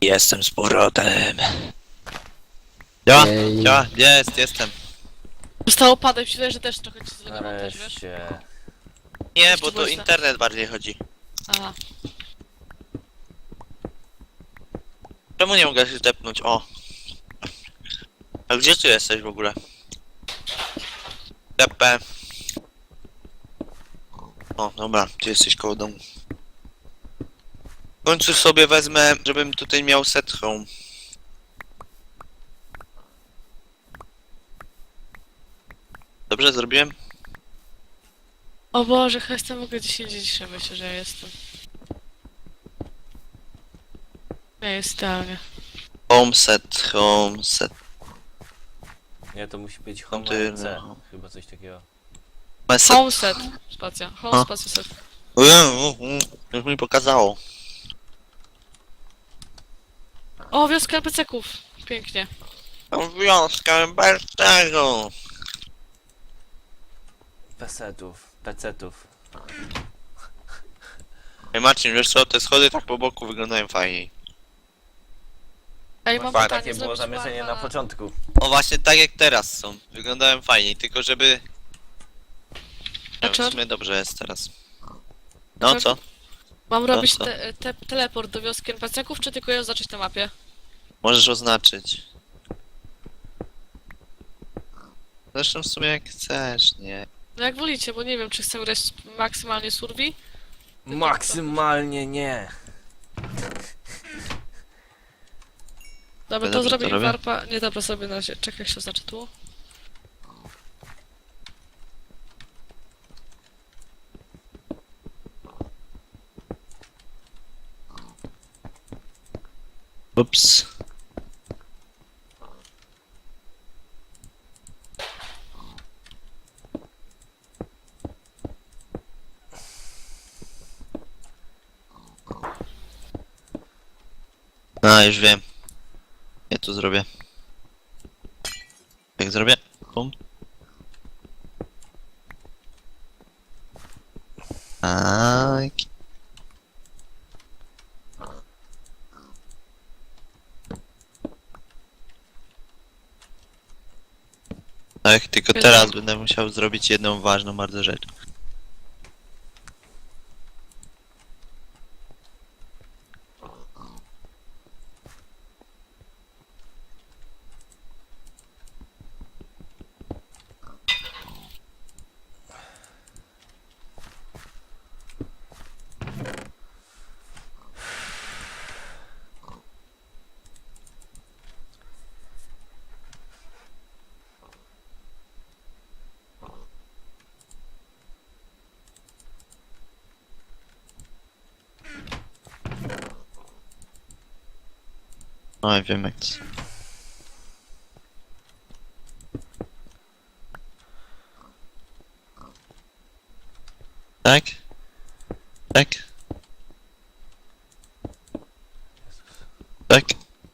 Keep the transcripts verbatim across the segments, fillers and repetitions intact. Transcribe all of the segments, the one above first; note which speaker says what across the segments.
Speaker 1: Jestem z powrotem. Ja,
Speaker 2: Ej.
Speaker 1: ja, jest, jestem.
Speaker 3: Zostało padem, myślę, że też trochę ci zlegował też, wiesz?
Speaker 2: Nareszcie.
Speaker 1: Nie,
Speaker 3: Jeszcze
Speaker 1: bo to
Speaker 3: byłeś na-
Speaker 1: internet bardziej chodzi.
Speaker 3: Aha.
Speaker 1: Czemu nie mogę się tepnąć? O. A gdzie ty jesteś w ogóle? Tepe. O, dobra, ty jesteś koło domu. W końcu sobie wezmę, żebym tutaj miał set home. Dobrze zrobiłem?
Speaker 3: O Boże, chyba mogę dziesięć dzisiaj, myślę, że ja jestem. Ja jest idealnie.
Speaker 1: Home set, home set.
Speaker 2: Nie, to musi być Home
Speaker 1: Ty,
Speaker 2: A C.
Speaker 1: no.
Speaker 2: Chyba coś takiego.
Speaker 1: Set.
Speaker 3: Homeset, spacja. Home,
Speaker 1: A.
Speaker 3: spacja, set.
Speaker 1: Już mi pokazało.
Speaker 3: O, wioska N P C-ków. Pięknie.
Speaker 1: Wiązka bez tego.
Speaker 2: Pesetów, pecetów.
Speaker 1: Ej Marcin, wiesz co, te schody tak po boku wyglądają fajniej.
Speaker 3: Ej, mam
Speaker 1: Fakt,
Speaker 3: pytanie,
Speaker 2: Takie było
Speaker 3: zrobić
Speaker 2: zamierzenie
Speaker 3: barwa
Speaker 2: na początku.
Speaker 1: O właśnie tak jak teraz są. Wyglądają fajniej, tylko żeby... Nie wiem, w sumie dobrze jest teraz. No co?
Speaker 3: Mam robić
Speaker 1: co?
Speaker 3: te, te, teleport do wioski N P C-ków, czy tylko ją zacząć na mapie?
Speaker 1: Możesz oznaczyć. Zresztą w sumie jak chcesz, nie?
Speaker 3: No jak wolicie, bo nie wiem, czy chcę grać maksymalnie survi.
Speaker 2: Maksymalnie nie.
Speaker 3: Dobra, to
Speaker 1: Dobrze, to
Speaker 3: zrobię
Speaker 1: robię.
Speaker 3: warpa. Nie, dobra, sobie na razie. Czekaj, jak się oznaczy tu.
Speaker 1: Ups. A, już wiem. Ja tu zrobię. Jak zrobię? Pum. Tak. Tak, tylko teraz będę musiał zrobić jedną ważną bardzo rzecz. No i wiem jak to. Tak? Tak? Tak?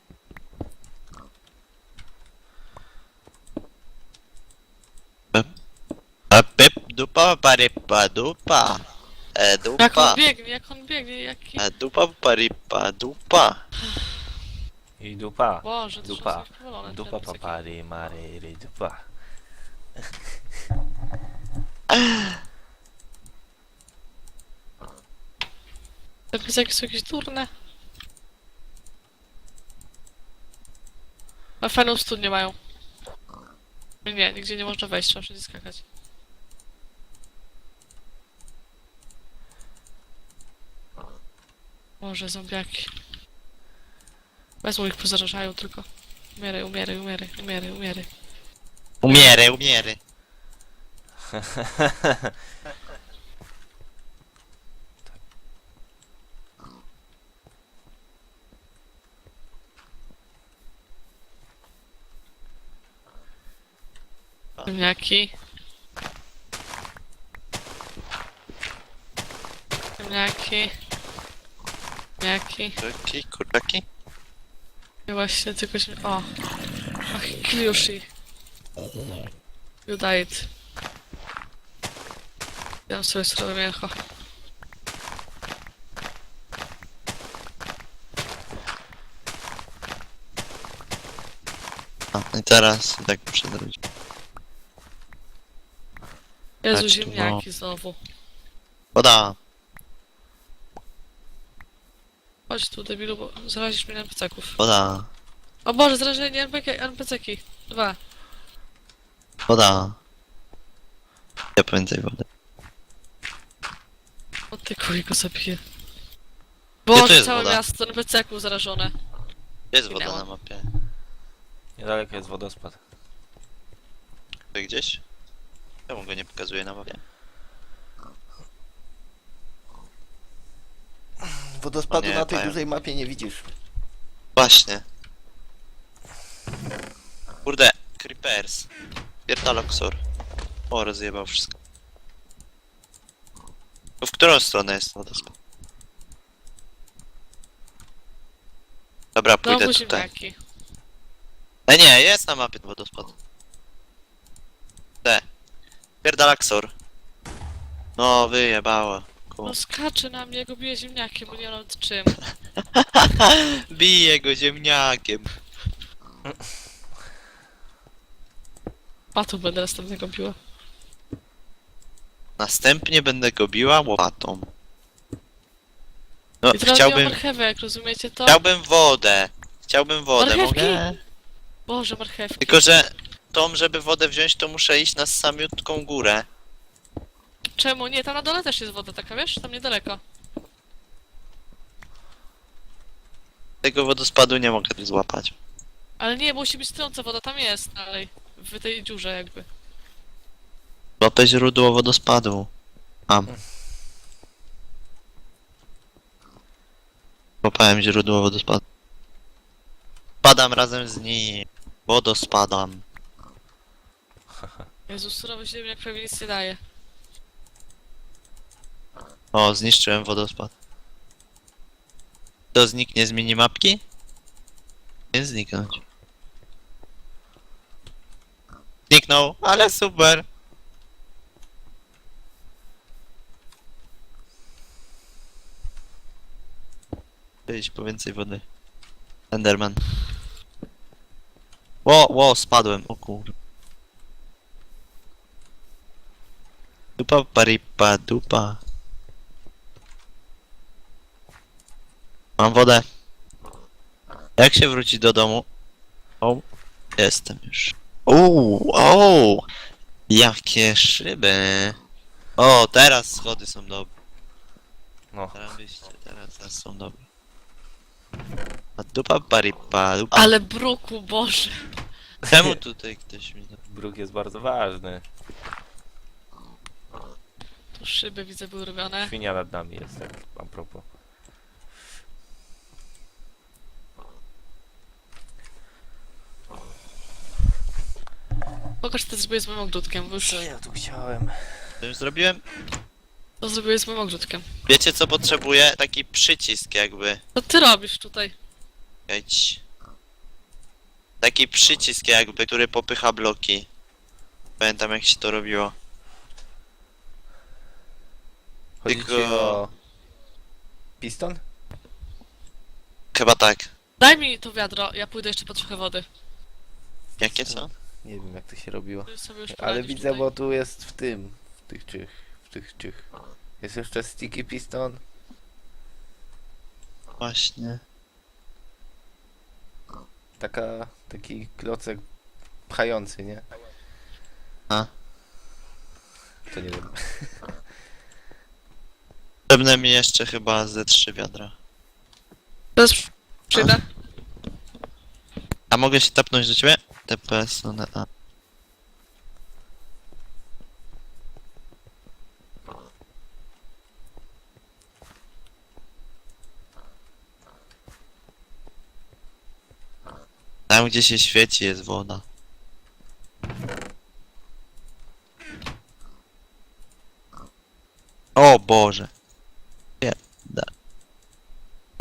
Speaker 1: A pep dupa paripa dupa. E
Speaker 3: Jak
Speaker 1: dupa.
Speaker 3: on biegnie, jak on biegnie, jaki...
Speaker 1: E dupa paripa dupa.
Speaker 2: I dupa.
Speaker 3: Boże, to
Speaker 2: Dupa.
Speaker 3: są powolone te
Speaker 2: Dupa
Speaker 3: N P C-ki.
Speaker 2: papary maryry dupa.
Speaker 3: Te N P C-ki są jakieś durne. A fajną studnię mają. Nie, nigdzie nie można wejść, trzeba wszędzie skakać. Może zombiaki. Wezmą ich, pozarażają tylko. Umieraj, umieraj, umieraj, umieraj, umieraj.
Speaker 1: Umierę, umierę.
Speaker 3: Ziemniaki. Ziemniaki. Ziemniaki.
Speaker 1: Kurczaki, kurczaki.
Speaker 3: I właśnie tylko się... O! Ach, Kliushi. You died. Ja mam sobie surowe mięcho.
Speaker 1: A, i teraz tak muszę zrobić.
Speaker 3: Jezu,
Speaker 1: Tak,
Speaker 3: ziemniaki znowu.
Speaker 1: Woda!
Speaker 3: Chodź tu, debilu, bo zarazisz mnie na peceków.
Speaker 1: Woda!
Speaker 3: O Boże, zrażenie en pe ce ki. Dwa.
Speaker 1: Woda! Ja więcej wody.
Speaker 3: O ty kuj go zabiję.
Speaker 1: tu
Speaker 3: Boże,
Speaker 1: jest
Speaker 3: całe
Speaker 1: woda?
Speaker 3: miasto en pe ce ków zarażone.
Speaker 1: Gdzie jest woda
Speaker 3: Minęło.
Speaker 1: na mapie?
Speaker 2: Niedaleko jest wodospad.
Speaker 1: Tu gdzieś? Czemu go nie pokazuje na mapie?
Speaker 4: Wodospadu
Speaker 1: O nie,
Speaker 4: na tej
Speaker 1: powiem.
Speaker 4: dużej mapie nie widzisz.
Speaker 1: Właśnie. Kurde, creepers. Pierdaloksor. O, rozjebał wszystko. To w którą stronę jest wodospad? Dobra, pójdę
Speaker 3: Znowu
Speaker 1: tutaj.
Speaker 3: ziemniaki.
Speaker 1: E nie, jest na mapie wodospad. Te. Pierdalaksor. No, wyjebało. Ku.
Speaker 3: No skacze na mnie, go bije ziemniakiem, bo nie mam czym.
Speaker 1: Bije go ziemniakiem.
Speaker 3: Patu będę następnego biła.
Speaker 1: Następnie będę go biła łopatą. No,
Speaker 3: I teraz nie mam
Speaker 1: chciałbym...
Speaker 3: marchewek, rozumiecie to?
Speaker 1: Chciałbym wodę. Chciałbym wodę,
Speaker 3: Marchewki?
Speaker 1: mogę?
Speaker 3: Boże, marchewki.
Speaker 1: Tylko, że tą, żeby wodę wziąć, to muszę iść na samiutką górę.
Speaker 3: Czemu? Nie, tam na dole też jest woda taka, wiesz? Tam niedaleko.
Speaker 1: Tego wodospadu nie mogę złapać.
Speaker 3: Ale nie, musi być trąca woda, tam jest dalej. W tej dziurze jakby.
Speaker 1: Złapę źródło wodospadu. Mam. Złapałem źródło wodospadu. Padam razem z nim. Wodospadam.
Speaker 3: Jezus, surowy ziemniak prawie nic nie daje.
Speaker 1: O, zniszczyłem wodospad. To zniknie z minimapki? Nie zniknąć. Zniknął, ale super. Wyjść po więcej wody. Enderman. Ło, ło, spadłem, o kur... Dupa paripa dupa. Mam wodę. Jak się wrócić do domu? O, jestem już. Uuu, o, jakie szyby. O, teraz schody są dobre.
Speaker 2: No.
Speaker 1: Teraz wyjście, teraz, teraz są dobre. A dupa paripa dupa.
Speaker 3: Ale bruku, Boże.
Speaker 1: Czemu tutaj ktoś mi...
Speaker 2: Bruk jest bardzo ważny.
Speaker 3: Tu szyby widzę były robione.
Speaker 2: Świnia nad nami jest, tak a propos.
Speaker 3: Pokaż, co ty zrobiłeś z moim ogródkiem, bo już
Speaker 2: Co ja tu chciałem?
Speaker 1: Co już zrobiłem?
Speaker 3: to zrobiłeś z moim ogródkiem.
Speaker 1: Wiecie co potrzebuję? Taki przycisk jakby.
Speaker 3: Co ty robisz tutaj?
Speaker 1: Jedź. Taki przycisk jakby, który popycha bloki. Pamiętam jak się to robiło.
Speaker 2: Chodzi ci
Speaker 1: Tylko-
Speaker 2: o... Piston?
Speaker 1: Chyba tak.
Speaker 3: Daj mi to wiadro, ja pójdę jeszcze po trochę wody.
Speaker 1: Jakie co?
Speaker 2: Nie wiem jak to się robiło.
Speaker 3: Ty sobie już
Speaker 2: Ale
Speaker 3: poradzisz
Speaker 2: widzę,
Speaker 3: tutaj.
Speaker 2: bo tu jest w tym, w tych czych, w tych czych. Jest jeszcze sticky piston.
Speaker 1: Właśnie.
Speaker 2: Taka, taki klocek pchający, nie?
Speaker 1: A.
Speaker 2: To nie wiem.
Speaker 1: Potrzebne mi jeszcze chyba ze trzy wiadra.
Speaker 3: Teraz przyjdę.
Speaker 1: A mogę się tapnąć do ciebie? T P S one A. Tam gdzie się świeci jest woda. O Boże.